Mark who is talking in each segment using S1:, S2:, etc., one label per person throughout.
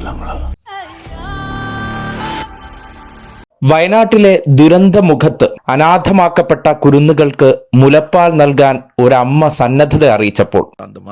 S1: വയനാട്ടിലെ ദുരന്തമുഖത്ത് അനാഥമാക്കപ്പെട്ട കുരുന്നുകൾക്ക് മുലപ്പാൽ നൽകാൻ ഒരമ്മ സന്നദ്ധത അറിയിച്ചപ്പോൾ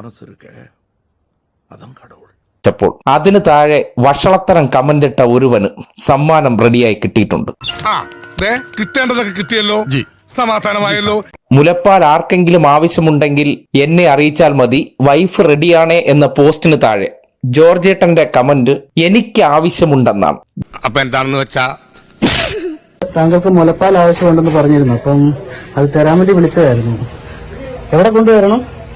S1: അതിന് താഴെ വഷളത്തരം കമന്റിട്ട ഒരുവന് സമ്മാനം റെഡിയായി കിട്ടിയിട്ടുണ്ട്.
S2: കിട്ടേണ്ടതൊക്കെ കിട്ടിയല്ലോ, സമാധാനമായല്ലോ.
S1: മുലപ്പാൽ ആർക്കെങ്കിലും ആവശ്യമുണ്ടെങ്കിൽ എന്നെ അറിയിച്ചാൽ മതി, വൈഫ് റെഡിയാണേ എന്ന പോസ്റ്റിന് താഴെ ജോർജേട്ടന്റെ കമന്റ് എനിക്ക് ആവശ്യമുണ്ടെന്നാണ്.
S2: അപ്പൊ എന്താണെന്ന് വെച്ചാ,
S3: താങ്കൾക്ക് മുലപ്പാൽ ആവശ്യമുണ്ടെന്ന് പറഞ്ഞിരുന്നു, അപ്പം അത് തരാൻ വേണ്ടി വിളിച്ചതായിരുന്നു. എവിടെ കൊണ്ടുവരണം?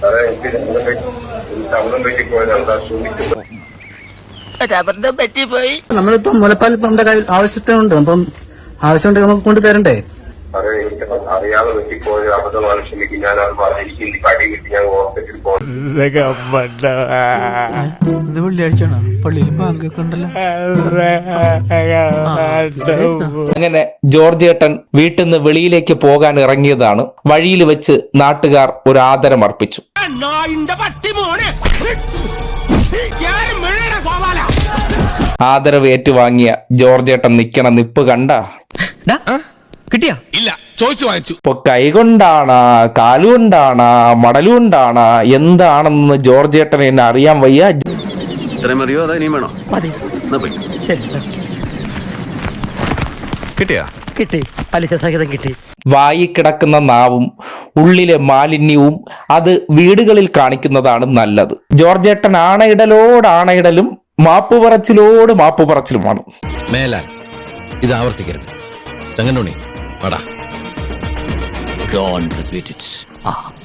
S3: നമ്മളിപ്പം മുലപ്പാൽ നമ്മുടെ കയ്യിൽ ആവശ്യത്തിനുണ്ട്, അപ്പം ആവശ്യമുണ്ടെങ്കിൽ നമുക്ക് കൊണ്ട് തരണ്ടേ?
S4: അറിയാതെ പറ്റിപ്പോയ അബദ്ധമാണ്, ക്ഷമിക്കും. ഞാൻ അത് എനിക്ക് ഇന്ന് കടി കിട്ടി, ഞാൻ ഹോസ്പിറ്റലിൽ പോകുന്നു.
S3: വെള്ളിയാഴ്ചയാണോ പള്ളിയിൽ ബാങ്കൊക്കെ ഉണ്ടല്ലോ.
S1: അങ്ങനെ ജോർജേട്ടൻ വീട്ടിൽ നിന്ന് വെളിയിലേക്ക് പോകാൻ ഇറങ്ങിയതാണ്. വഴിയിൽ വെച്ച് നാട്ടുകാർ ഒരു ആദരം അർപ്പിച്ചു. ആദരവ് ഏറ്റുവാങ്ങിയ ജോർജേട്ടൻ നിക്കണ നിപ്പ് കണ്ട
S2: കിട്ടിയാ ഇല്ല, ചോദിച്ചു വാങ്ങിച്ചു.
S1: ഇപ്പൊ കൈകൊണ്ടാണ്, കാലുകൊണ്ടാണ്, മടലുകൊണ്ടാണ്, എന്താണെന്ന് ജോർജേട്ടനെ എന്നെ അറിയാൻ വയ്യ. വായി കിടക്കുന്ന നാവും ഉള്ളിലെ മാലിന്യവും അത് വീടുകളിൽ കാണിക്കുന്നതാണ് നല്ലത്. ജോർജേട്ടൻ ആണയിടലോടാണയിടലും മാപ്പുപറച്ചിലോട് മാപ്പുപറച്ചിലുമാണ്.
S5: മേലാൽ ഇത് ആവർത്തിക്കരുത്. ചങ്ങനുണ്ണി, Don't repeat it.